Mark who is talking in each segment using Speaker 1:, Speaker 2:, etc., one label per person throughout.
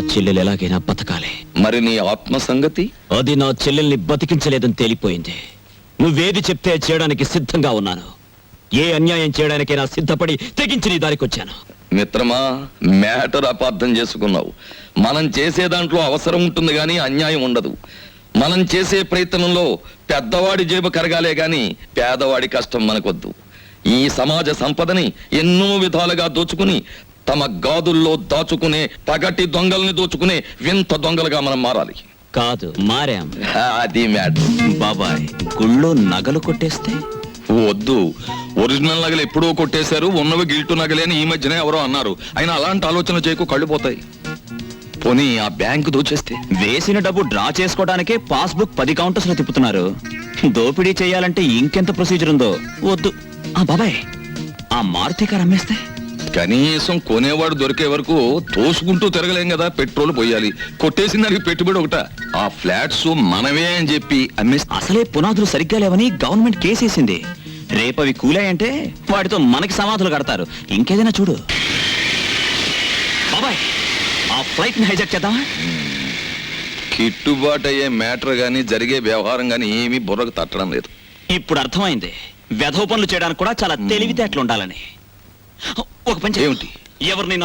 Speaker 1: చెల్లెలు ఎలాగైనా బతకాలి.
Speaker 2: మరి నీ ఆత్మ సంగతి?
Speaker 1: అది నా చెల్లెల్ని బతికించలేదని తేలిపోయింది. నువ్వేది చెప్తే చేయడానికి సిద్ధంగా ఉన్నాను. ఏ అన్యాయం చేయడానికైనా సిద్ధపడి తెగించి నీ దారికొచ్చాను.
Speaker 2: మిత్రమా, మ్యాటర్ అపార్థం చేసుకున్నావు. మనం చేసే దాంట్లో అవసరం ఉంటుంది గాని అన్యాయం ఉండదు. మనం చేసే ప్రయత్నంలో పెద్దవాడి జేబు కరగాలే గాని పేదవాడి కష్టం మనకొద్దు. ఈ సమాజ సంపదని ఎన్నో విధాలుగా దోచుకుని తమ గాదుల్లో దాచుకునే పగటి దొంగల్ని దోచుకునే వింత దొంగలుగా మనం మారాలి.
Speaker 1: కాదు, మారాం.
Speaker 2: అది మ్యాటర్.
Speaker 1: బాబాయ్, గుళ్ళో నగలు కొట్టేస్తే?
Speaker 2: వద్దు, ఒరిజినల్ నగలు ఎప్పుడో కొట్టేశారు, ఉన్నవి గిల్టు నగలే అని ఈ మధ్యనే ఎవరో అన్నారు. అయినా అలాంటి ఆలోచన చేయకు, కళ్ళు పోతాయి. పోనీ ఆ బ్యాంకు దోచేస్తే?
Speaker 1: వేసిన డబ్బు డ్రా చేసుకోవడానికే పాస్బుక్ 10 కౌంటర్స్ లో తిప్పుతున్నారు. దోపిడీ చేయాలంటే ఇంకెంత ప్రొసీజర్ ఉందో. వద్దు. బాబాయ్, ఆ మారుతి కారు అమ్మేస్తే?
Speaker 2: కనీసం కొనేవాడు దొరికే వరకు తోసుకుంటూ తిరగలేం కదా. పెట్రోల్ పోయాలి. కొట్టేసిన దానికి పెట్టుబడి ఒకట. ఆ ఫ్లాట్స్ మనమే అని చెప్పి అమ్మేస్తే?
Speaker 1: అసలే పునాదులు సరిగ్గా లేవని గవర్నమెంట్ కేసేసింది. రేపవి కూలాయంటే వాటితో మనకి సమాధులు కడతారు. ఇంకేదైనా చూడు. బాబాయ్, ఆ ఫ్లైట్ ని హైజాక్ చేద్దామా?
Speaker 2: కిట్టుబాటు అయ్యే మ్యాటర్ గాని జరిగే వ్యవహారం గాని ఏమీ బుర్రకు తట్టడం లేదు.
Speaker 1: ఇప్పుడు అర్థమైంది వెధవ పనులు చేయడానికి కూడా చాలా తెలివితేటలు ఉండాలని. ఒక పని ఏమిటి? ఎవరినైనా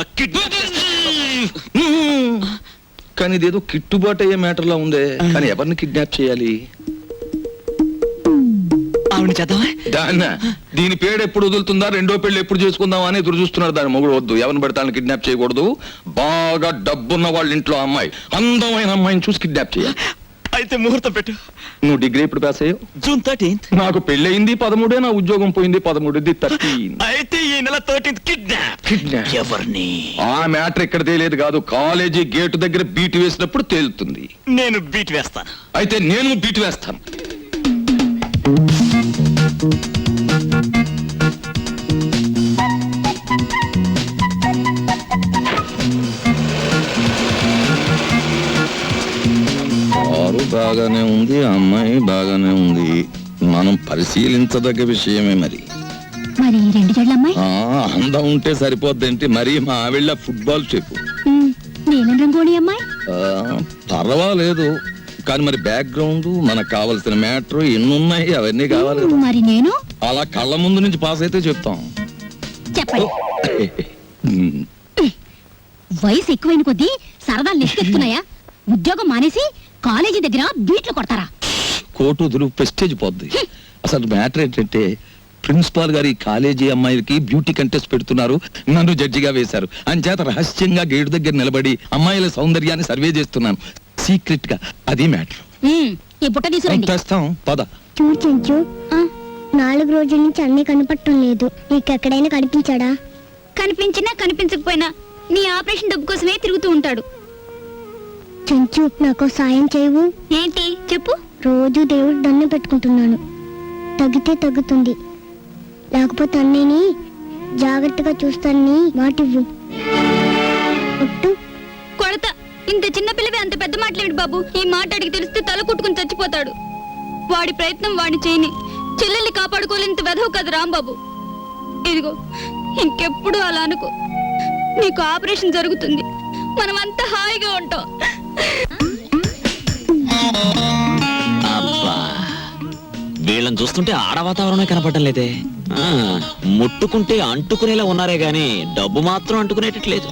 Speaker 2: కానీ ఇదేదో కిట్టుబాటు అయ్యే మ్యాటర్ లా ఉందే. కానీ ఎవరిని కిడ్నాప్ చేయాలి?
Speaker 1: ఆవిడ చేద్దామా?
Speaker 2: దాన్న దీని పేరు ఎప్పుడు వదులుతుందా, రెండో పెళ్లి ఎప్పుడు చేసుకుందామా అని ఎదురు చూస్తున్నారు. దాని మొగుడు వద్దు, ఎవరిని పెడతాను కిడ్నాప్ చేయకూడదు. బాగా డబ్బున్న వాళ్ళ ఇంట్లో అమ్మాయి, అందమైన అమ్మాయిని చూసి కిడ్నాప్ చేయాలి.
Speaker 1: అయితే ముహూర్తం పెట్టు.
Speaker 2: నువ్వు డిగ్రీ ఎప్పుడు పాస్ అయ్యావు?
Speaker 1: June 13th.
Speaker 2: నాకు పెళ్ళయింది 13, నా ఉద్యోగం పోయింది 13. 13.
Speaker 1: అయితే ఈ నెల 13th కిడ్నాప్. ఎవరిని?
Speaker 2: ఆ మ్యాటర్ ఇక్కడ తేలేదు కాదు, కాలేజీ గేటు దగ్గర బీట్ వేసినప్పుడు తేలుతుంది.
Speaker 1: నేను బీట్ వేస్తాను.
Speaker 2: అయితే నేను బీట్ వేస్తాను. బాగానే ఉంది, అమ్మాయి బాగానే ఉంది. మనం పరిశీలించదగ్గ విషయమే. మరి
Speaker 3: రెండు జడ్లమ్మాయి
Speaker 2: అందం ఉంటే సరిపోద్దేంటి? మరి మా ఆవిళ్ళ ఫుట్బాల్ చెప్పు.
Speaker 3: నీలం రంగోణి అమ్మాయి
Speaker 2: పర్వాలేదు, కానీ మరి బ్యాక్గ్రౌండ్, మనకు కావాల్సిన మ్యాటర్ ఎన్నున్నాయి, అవన్నీ కావాలి.
Speaker 3: మరి నేను
Speaker 2: అలా కళ్ళ ముందు నుంచి పాస్ అయితే చెప్తాం.
Speaker 3: చెప్పండి. వయసు ఎక్కువైన కొద్దీ సరదాలు నెక్కెత్తున్నాయా? ఉద్యోగం మానేసి కాలేజీ దగ్గర బీట్లు కొడతారా?
Speaker 2: కోటు వదులు, ప్రెస్టేజ్ పోద్ది. అసలు మ్యాటర్ ఏంటంటే ప్రిన్సిపాల్ గారి కాలేజీ అమ్మాయిలకి బ్యూటీ కంటెస్ట్ పెడుతున్నారు, నన్ను జడ్జిగా వేశారు. అంచేత రహస్యంగా గేటు దగ్గర నిలబడి అమ్మాయిల సౌందర్యాన్ని సర్వే చేస్తున్నాను సీక్రెట్ గా. అది మ్యాటర్.
Speaker 3: ఈ బుట్ట తీసుకురండి.
Speaker 2: తెస్తాం, పద.
Speaker 4: చూడు చెంచు, 4 రోజుల నుంచి అన్నీ కనపడటం లేదు. నీకెక్కడైనా కనిపించాడా?
Speaker 3: కనిపించినా కనిపించకపోయినా నీ ఆపరేషన్ డబ్బు కోసమే తిరుగుతూ ఉంటాడు.
Speaker 4: చెంచు, నాకు సాయం చేయవు?
Speaker 3: ఏంటి చెప్పు.
Speaker 4: రోజు దేవుడు దండం పెట్టుకుంటున్నాను, తగ్గితే తగ్గుతుంది, లేకపోతే అన్నయ్యని జాగ్రత్తగా చూస్తానని మాటివ్వు.
Speaker 3: కొడత. ఇంత చిన్న పిల్లవి అంత పెద్ద మాటలేమిటి బాబు? ఈ మాట అడిగి తెలిస్తే తల కుట్టుకుని చచ్చిపోతాడు. వాడి ప్రయత్నం వాడిని చేయని. చెల్లెల్ని కాపాడుకోలేంత వెధవు కదా రాంబాబు. ఇదిగో, ఇంకెప్పుడు అలా అనుకో. నీకు ఆపరేషన్ జరుగుతుంది, మనమంతా హాయిగా ఉంటాం.
Speaker 1: అబ్బా, వీళ్ళని చూస్తుంటే ఆడ వాతావరణమే కనపడటం లేదే. ముట్టుకుంటే అంటుకునేలా ఉన్నారే గాని డబ్బు మాత్రం అంటుకునేటట్లేదు.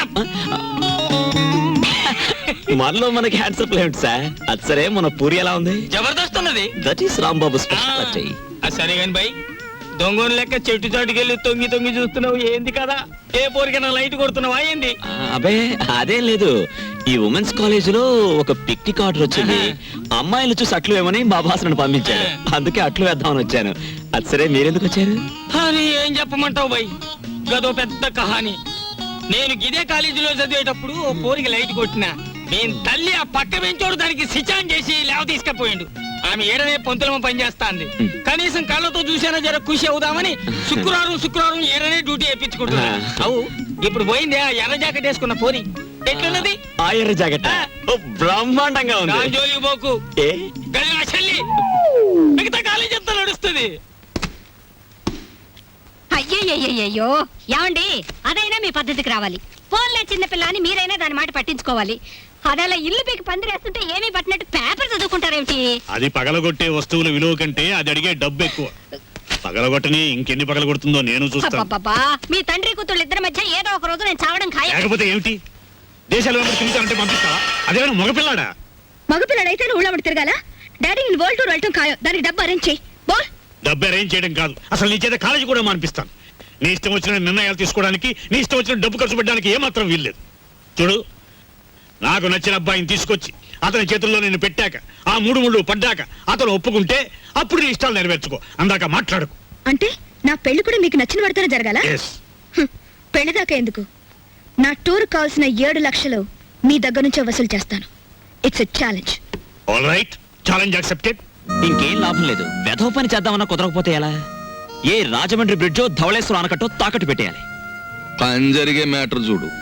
Speaker 1: మనలో మనకి హ్యాండ్సప్ లేదు సార్. అది సరే, మన పూరి ఎలా ఉంది?
Speaker 5: జబర్దస్త్ ఉన్నది.
Speaker 1: That is Rambabu speciality.
Speaker 5: సరే గాని బై, దొంగను లెక్క చెట్టు చాటుకెళ్ళి తొంగి తొంగి చూస్తున్నావు ఏంది కదా? ఏ పోరికైనా లైట్ కొడుతున్నావా ఏంది?
Speaker 1: అబే అదేం లేదు. ఈ ఉమెన్స్ కాలేజ్ లో ఒక పిక్నిక్ ఆర్డర్ వచ్చింది. అమ్మాయిలు చూసి అట్లు వేమని మా బాసను పంపించాడు. అందుకే అట్లు వేద్దామని వచ్చాను. అది సరే, మీరెందుకు వచ్చారు?
Speaker 5: అని ఏం చెప్పమంటావు బై? గదో పెద్ద కహాని. నేను గిదే కాలేజీలో చదివేటప్పుడు ఓ పోరికి లైట్ కొట్టినా. నేను తల్లి ఆ పక్క బెంచోడు దానికి సిచాన్ చేసి లేవ తీసుకపోయిండు. ఆమె ఏడనే పొంతులమ పనిచేస్తాంది. కనీసం కళ్ళతో చూసేనా జర ఖుషి అవుదామని శుక్రవారం ఏడనే డ్యూటీ వేయించుకుంటున్నా. అవు ఇప్పుడు పోయింది ఆ ఎర్ర జాకెట్ వేసుకున్న పోరి. ఎట్లున్నది
Speaker 1: ఆ ఎర్ర జాకెట్? బ్రహ్మాండంగా ఉంది.
Speaker 5: జోలికి పోకు, గది నా చెల్లి. మిగతా కాలేజీ అంతా నడుస్తుంది.
Speaker 6: అయ్యయ్యో ఏమండి అదైనా మీ పద్ధతికి రావాలి. ఫోన్లే చిన్నపిల్ల అని మీరైనా దాని మాట పట్టించుకోవాలి. అదలా ఇల్లు పీకి పందిరేస్తుంటే ఏమీ పట్టినట్టు పేపర్ చదువుకుంటారేమిటి?
Speaker 7: అది పగలగొట్టే వస్తువుల విలువ కంటే అది అడిగే డబ్బు ఎక్కువ. పగలగొట్టని ఇంకెన్ని పగలగొడుతుందో నేను చూస్తాను.
Speaker 6: అబ్బబ్బబ్బా, మీ తండ్రి కూతుళ్ళు ఇద్దరి మధ్య ఏదో ఒక రోజు నేను చావడం ఖాయం.
Speaker 7: లేకపోతే ఏమిటి? దేశాలు వెంబడి తిరుగుతానంటే పంపిస్తా? అదేమైనా మగపిల్లాడా?
Speaker 3: మగపిల్లడైతే నువ్వు ఊళ్ళో తిరగాల. డాడీ నేను వరల్డ్ టూర్ వెళ్ళటం ఖాయం. దానికి డబ్బు అరేంజ్ చేయి. బోల్.
Speaker 7: డబ్బు అరేంజ్ చేయడం కాదు, అసలు నీ చేత కాలేజీ కూడా మానిపిస్తాను. నీ ఇష్టం వచ్చిన నిర్ణయాలు తీసుకోవడానికి, నీ ఇష్టం వచ్చిన డబ్బు ఖర్చు పెట్టడానికి ఏమాత్రం వీల్లేదు. చూడు, నాకు నచ్చిన అబ్బాయిని తీసుకొచ్చి అతని చేతుల్లో నేను పెట్టాక, ఆ 3 ముళ్ళు పడ్డాక అతను ఒప్పుకుంటే అప్పుడు నీ ఇష్టాలు నెరవేర్చుకో. అందాక మాట్లాడుకు.
Speaker 3: అంటే నా పెళ్లి కూడా మీకు నచ్చిన వాడితోనే జరగాల?
Speaker 7: Yes.
Speaker 3: పెళ్లి దాకా ఎందుకు? నా టూర్ కావాల్సిన 7 లక్షలు మీ దగ్గర నుంచే వసూలు చేస్తాను. It's a challenge.
Speaker 7: All right, challenge accepted.
Speaker 1: ఇంకేం లాభం లేదు. వెధవ పని చేద్దామన్నా కుదరకపోతే ఎలా? ఏ రాజమండ్రి బ్రిడ్జో ధవళేశ్వరం ఆనకట్టో తాకట్టు పెట్టేయాలి.
Speaker 2: పని జరిగే మ్యాటర్ చూడు.